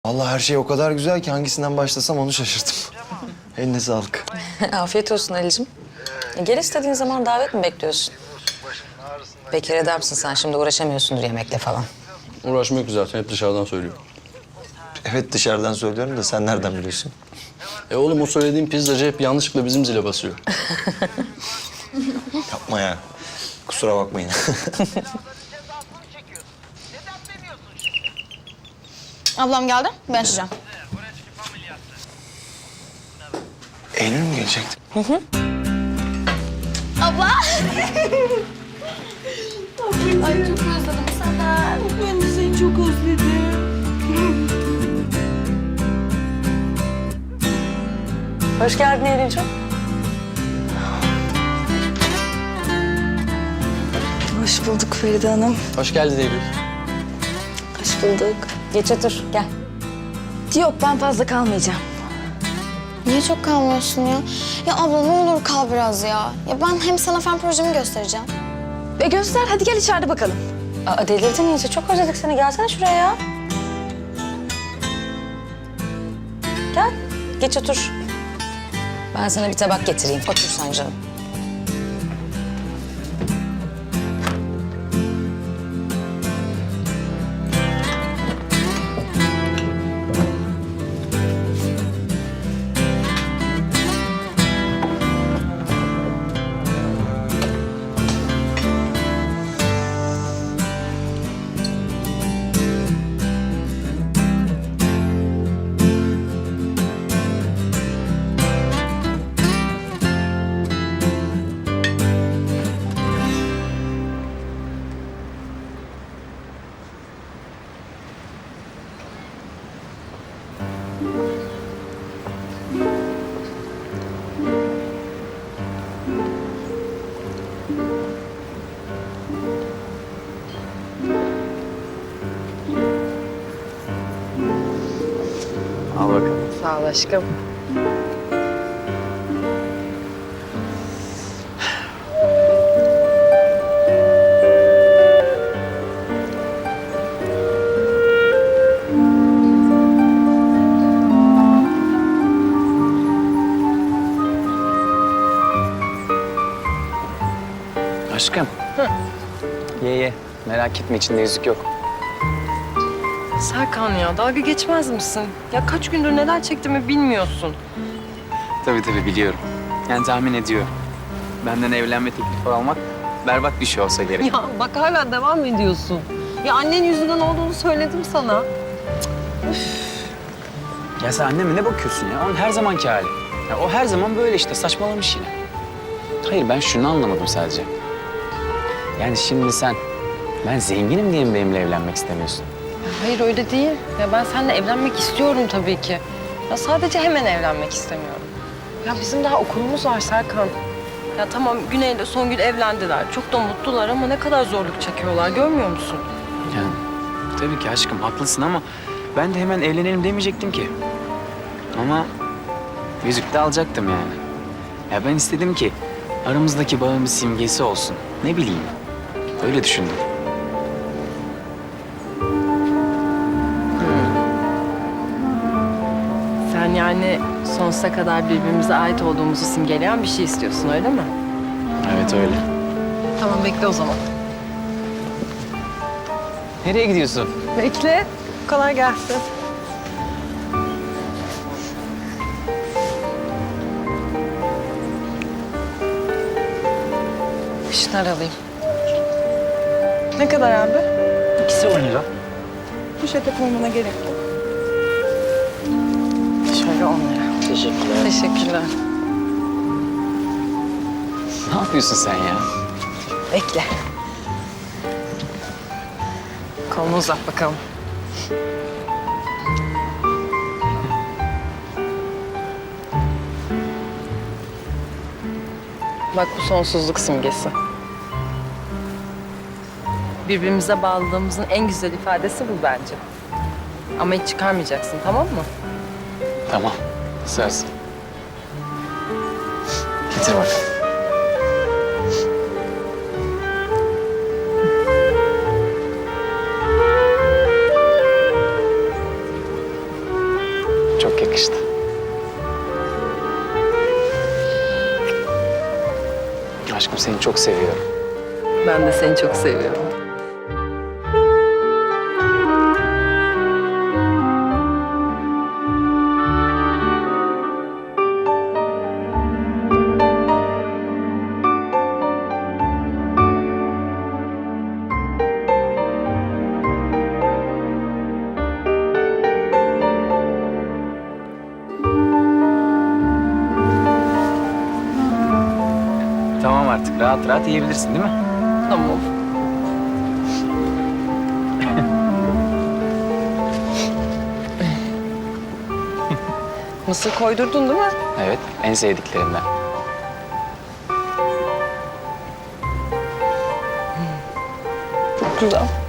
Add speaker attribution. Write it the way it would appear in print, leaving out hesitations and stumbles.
Speaker 1: Vallahi her şey o kadar güzel ki hangisinden başlasam onu şaşırdım. Eline sağlık.
Speaker 2: Afiyet olsun Ali'cim. Gel istediğin zaman davet mi bekliyorsun? Bekar adamsın sen, şimdi uğraşamıyorsundur yemekle falan.
Speaker 3: Uğraşmıyor ki zaten, hep dışarıdan söylüyor.
Speaker 1: Evet dışarıdan söylüyorum da sen nereden biliyorsun?
Speaker 3: Oğlum o söylediğim pizzacı hep yanlışlıkla bizim zile basıyor.
Speaker 1: Yapma ya. Kusura bakmayın.
Speaker 4: Ablam geldi. Ben açacağım.
Speaker 1: Eylül mü gelecekti?
Speaker 4: Abla! Ay çok özledim sana. Ben de seni çok özledim.
Speaker 2: Hoş geldin Eylül'cüğüm.
Speaker 4: Hoş bulduk Feride Hanım.
Speaker 3: Hoş geldin Eylül.
Speaker 2: Hoş bulduk. Geç otur, gel.
Speaker 4: Yok ben fazla kalmayacağım.
Speaker 5: Niye çok kalmıyorsun ya? Ya abla ne olur kal biraz ya. Ya ben hem sana fen projemi göstereceğim.
Speaker 4: Göster hadi gel içeride bakalım.
Speaker 2: Aa, delirdin iyice, çok özledik seni. Gelsene şuraya ya. Gel, geç otur. Ben sana bir tabak getireyim. Otur sen canım.
Speaker 1: Al bakalım.
Speaker 2: Sağ ol aşkım.
Speaker 6: Aşkım. Ye. Merak etme, içinde yüzük yok.
Speaker 7: Serkan ya dalga geçmez misin? Ya kaç gündür neler çektiğimi bilmiyorsun.
Speaker 6: Tabii biliyorum. Yani tahmin ediyorum. Benden evlenme teklifi almak berbat bir şey olsa gerek.
Speaker 7: Ya bak hala devam ediyorsun. Ya annen yüzünden olduğunu söyledim sana.
Speaker 6: Ya sen anneme ne bakıyorsun ya? Onun her zamanki hali. Ya o her zaman böyle işte, saçmalamış yine. Hayır, ben şunu anlamadım sadece. Yani şimdi sen, ben zenginim diye mi benimle evlenmek istemiyorsun?
Speaker 7: Hayır öyle değil. Ya ben seninle evlenmek istiyorum tabii ki. Ya sadece hemen evlenmek istemiyorum. Ya bizim daha okulumuz var Serkan. Ya tamam Güney'le Songül evlendiler. Çok da mutlular ama ne kadar zorluk çekiyorlar görmüyor musun?
Speaker 6: Yani tabii ki aşkım, haklısın ama ben de hemen evlenelim demeyecektim ki. Ama yüzük de alacaktım yani. Ya ben istedim ki aramızdaki bağın bir simgesi olsun. Ne bileyim, öyle düşündüm.
Speaker 7: Sen yani sonsuza kadar birbirimize ait olduğumuzu simgeleyen bir şey istiyorsun öyle mi?
Speaker 6: Evet öyle.
Speaker 7: Tamam bekle o zaman.
Speaker 6: Nereye gidiyorsun?
Speaker 7: Bekle. Kolay gelsin. Şunları alayım. Ne kadar abi?
Speaker 6: İkisi 10 lira.
Speaker 7: Poşete koymana gerek yok. Şöyle 10 lira.
Speaker 6: Teşekkürler.
Speaker 7: Teşekkürler.
Speaker 6: Ne yapıyorsun sen ya?
Speaker 7: Bekle. Kolunu uzat bakalım. Bak bu sonsuzluk simgesi. Birbirimize bağlılığımızın en güzel ifadesi bu bence. Ama hiç çıkarmayacaksın, tamam mı?
Speaker 6: Tamam, söz. Getir bak. çok yakıştı. Aşkım seni çok seviyorum.
Speaker 7: Ben de seni çok seviyorum.
Speaker 6: Tamam artık rahat rahat yiyebilirsin değil mi?
Speaker 7: Tamam. Mısır koydurdun değil mi?
Speaker 6: Evet, en sevdiklerimden.
Speaker 7: Çok güzel.